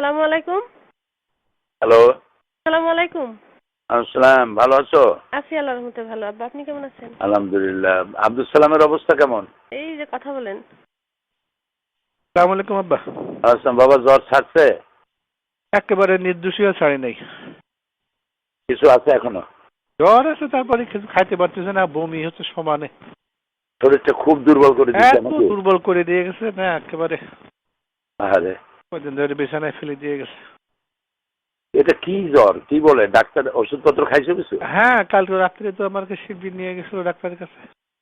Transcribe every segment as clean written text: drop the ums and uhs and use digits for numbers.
আসসালামু আলাইকুম। হ্যালো। আসসালামু আলাইকুম। আসসালাম, ভালো আছো? আছি আল্লাহর রহমতে ভালো। আব্বা আপনি কেমন আছেন? আলহামদুলিল্লাহ। আব্দুল সালামের অবস্থা কেমন? এই যে কথা বলেন। আসসালামু আলাইকুম আব্বা। আসসালাম। বাবা জ্বর ছাড়ছে? একেবারে নির্দোষীয় ছাড়ি নাই। কিছু আছে এখনো? জ্বর আছে, তারপরে কিছু খাইতে পারতেছে না, বমি হচ্ছে সমানে। শরীরটা খুব দুর্বল করে দিচ্ছে এত নাকি? দুর্বল করে দিয়ে গেছে না একেবারে। আরে কদিন ধরে বিছানায় ফেলে দিয়ে গেছে। এটা কি জ্বর? কি বলে ডাক্তার? ওষুধপত্র খাইছো কিছু? হ্যাঁ, কালকে রাত্রে তো আমাকে শিবির নিয়ে গেছিল ডাক্তারের কাছে।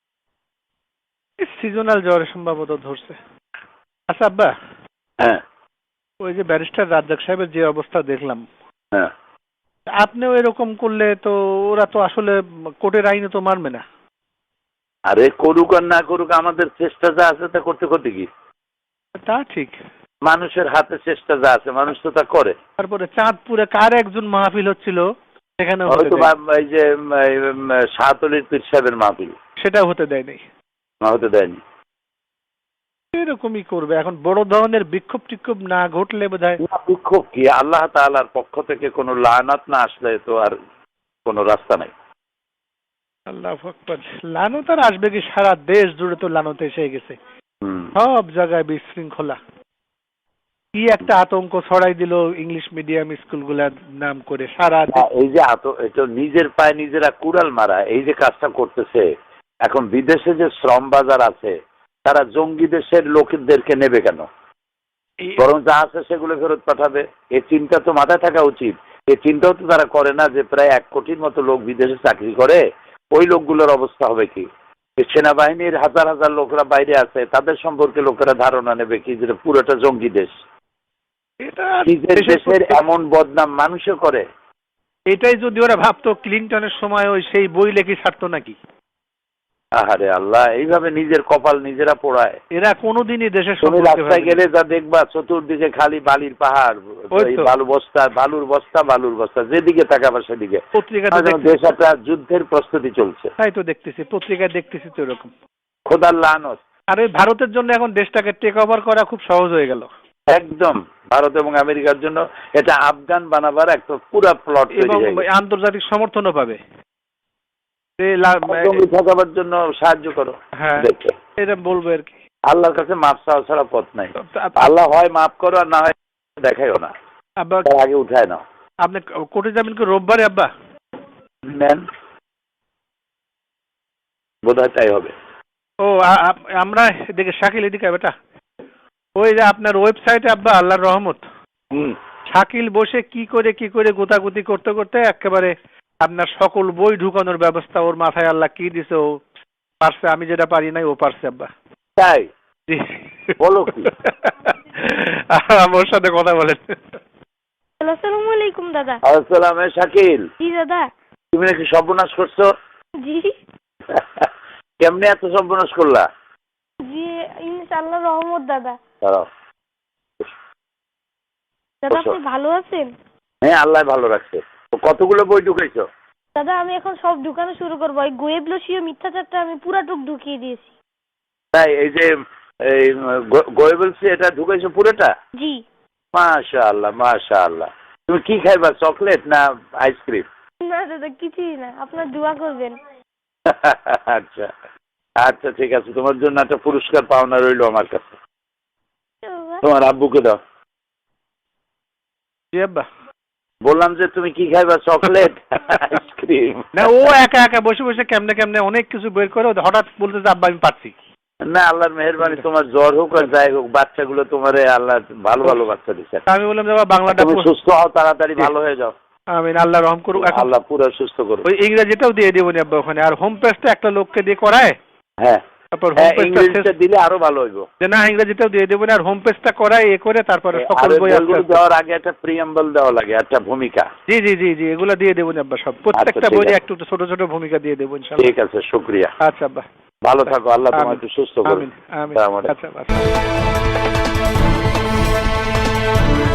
সিজনাল জ্বর সম্ভবত ধরছে। আচ্ছা আব্বা, হ্যাঁ ওই যে ব্যারিস্টার রাজ্জাক সাহেবের যে অবস্থা দেখলাম, হ্যাঁ। আপনিও এরকম করলে তো ওরা তো আসলে কোর্টের আইনে তো মানবে না। আরে করুক আর না করুক, আমাদের চেষ্টা যা আছে তা করতে করতে কি? তা ঠিক। মানুষের হাতে চেষ্টা যা আছে মানুষ তো তা করে। তারপরে চাঁদপুরে কার একজন মাহফিল হচ্ছিল, সেখানে হয়তো এই যে শাহতলির পীর সাহেবের মাহফিল, সেটাও হতে দেয় নাই। হতে দেয়নি। এরকমই করবে এখন, বড় ধরনের বিক্ষোভ টিক্ষোভ না ঘটলে বোধহয়। বিক্ষোভ কি? আল্লাহ তাআলার পক্ষ থেকে কোনো লানাত না আসলে তো আর কোনো রাস্তা নাই। আল্লাহু আকবার। লানত আর আসবে কি? সারা দেশ জুড়ে তো লানত এসে গেছে, সব জায়গায় বিশৃঙ্খলা। কি একটা আতঙ্ক ছড়াই দিল ইংলিশ মিডিয়াম স্কুলগুলার নাম করে সারা। এই যে এটা নিজের পায়ে নিজেরা কুড়াল মারা, এই যে কাজটা করতেছে। এখন বিদেশে যে শ্রম বাজার আছে, তারা জঙ্গি দেশের লোকদেরকে নেবে কেন? বরং যা আছে সেগুলো ফেরত পাঠাবে। এই চিন্তা তো মাথায় থাকা উচিত। এই চিন্তাও তো তারা করে না যে প্রায় 1 কোটির মতো লোক বিদেশে চাকরি করে, ওই লোকগুলোর অবস্থা হবে কি? সেনাবাহিনীর হাজার হাজার লোকরা বাইরে আছে, তাদের সম্পর্কে লোকেরা ধারণা নেবে কি যে পুরোটা জঙ্গি দেশ। নিজের দেশের এমন বদনাম মানুষও করে। এটাই যদি ওরা ভাবতো ক্লিনটনের সময় ওই সেই বই লেখি ছাড়তো নাকি? আহারে আল্লাহ, এইভাবে নিজের কপাল নিজেরা পোড়ায়। এরা কোনোদিনই দেশের তুমি রাস্তায় গেলে যা দেখবা চতুর্দিকে খালি বালির পাহাড়, বালুর বস্তা, যেদিকে তাকাবা সেদিকে। দেশ একটা যুদ্ধের প্রস্তুতি চলছে। তাই তো দেখতেছি, পত্রিকায় দেখতেছি তো এরকম। খোদার লানত। আর ওই ভারতের জন্য এখন দেশটাকে টেক ওভার করা খুব সহজ হয়ে গেল। একদম ভারত এবং আমেরিকার জন্য এটা আফগান বানাবার একটা পুরা প্লট এবং আন্তর্জাতিক সমর্থনও পাবে। ঠকাবার জন্য সাহায্য করো। হ্যাঁ, এটা বলবো আর কি। আল্লাহর কাছে মাপ চাওয়া ছাড়া পথ নাই। আল্লাহ হয় মাফ করো আর না হয় দেখাইও না। আব্বা আগে উঠায় নাও। আপনি কোর্টে যাবেন কি রোববারে আব্বা? নেন, বোধহয় তাই হবে। ও আমরা এদিকে শাকিল এদিকে বেটা, ওই যে আপনার ওয়েবসাইটে আব্বা আল্লাহর রহমত, শাকিল বসে কি করে গোতাগুতি করতে করতে একেবারে আপনার সকল বই ঢুকানোর ব্যবস্থা ওর মাথায় আল্লাহ কি দিছে, ও পারছে। আমি যেটা পারি নাই ও পারছে আব্বা। তাই বলো কি? ওর সাথে কথা বলেন। আসসালামু আলাইকুম দাদা। আসসালাম। শাকিল, জি দাদা। তুমি নাকি সর্বনাশ করছো? জি। কেমনে এত সর্বনাশ করলা? জি ইনশাআল্লাহ রহমত দাদা। দাঁড়াও। দাদা আপনি ভালো আছেন? হ্যাঁ, আল্লাহ ভালো রাখছে। কতগুলো বই ঢুকাইছো? দাদা আমি এখন সব ঢুকানো শুরু করবো। ওই গোয়েবলসীয় মিথ্যাচারটা আমি পুরাটুক ঢুকিয়ে দিয়েছি। তাই এই যে গোয়েবলসি এটা ঢুকাইছো পুরোটা? জি। মাশাআল্লাহ মাশাআল্লাহ। তুমি কি খাইবা, চকলেট না আইসক্রিম? না দাদা কিছুই না, আপনার দোয়া করবেন। আচ্ছা আচ্ছা ঠিক আছে, তোমার জন্য একটা পুরস্কার পাওনা রইলো আমার কাছে। তোমার আব্বুকে দাও। জি আব্বা। বললাম যে তুমি কি খাইবা, চকলেট আইসক্রিম? না, ও একা একা বসে বসে কেমনে অনেক কিছু বের করে হঠাৎ বলতে যে আব্বা আমি পারছি না। আল্লাহর মেহেরবানি, তোমার জ্বর হোক আর যাই হোক, বাচ্চাগুলো তোমার আল্লাহ ভালো ভালো বাচ্চা দিচ্ছে। আমি বললাম যে বাংলাটা তুমি সুস্থ হও, তাড়াতাড়ি ভালো হয়ে যাও। আমিন, আল্লাহ রহম করুক। আল্লাহ পুরো সুস্থ করুক। ওই ইংরেজিটাও দিয়ে দেবো আব্বা ওখানে, আর হোম পেজটা একটা লোককে দিয়ে করায়। হ্যাঁ, তারপর ইংরেজিটা দিলে আরো ভালো হইব। না, ইংরেজিটাও দিয়ে দেবো আর হোম পেজটা করায় করে তারপরে সকল বই দেওয়ার আগে একটা প্রিয়াম্বল দেওয়া লাগে, একটা ভূমিকা। জি জি জি জি, এগুলো দিয়ে দেবো আব্বা সব, প্রত্যেকটা বইয়ে একটু ছোট ছোট ভূমিকা দিয়ে দেবো ইনশাআল্লাহ। ঠিক আছে, শুকরিয়া। আচ্ছা আব্বা, ভালো থাকো, আল্লাহ তোমাকে সুস্থ করুন। আমিন আমিন। আচ্ছা।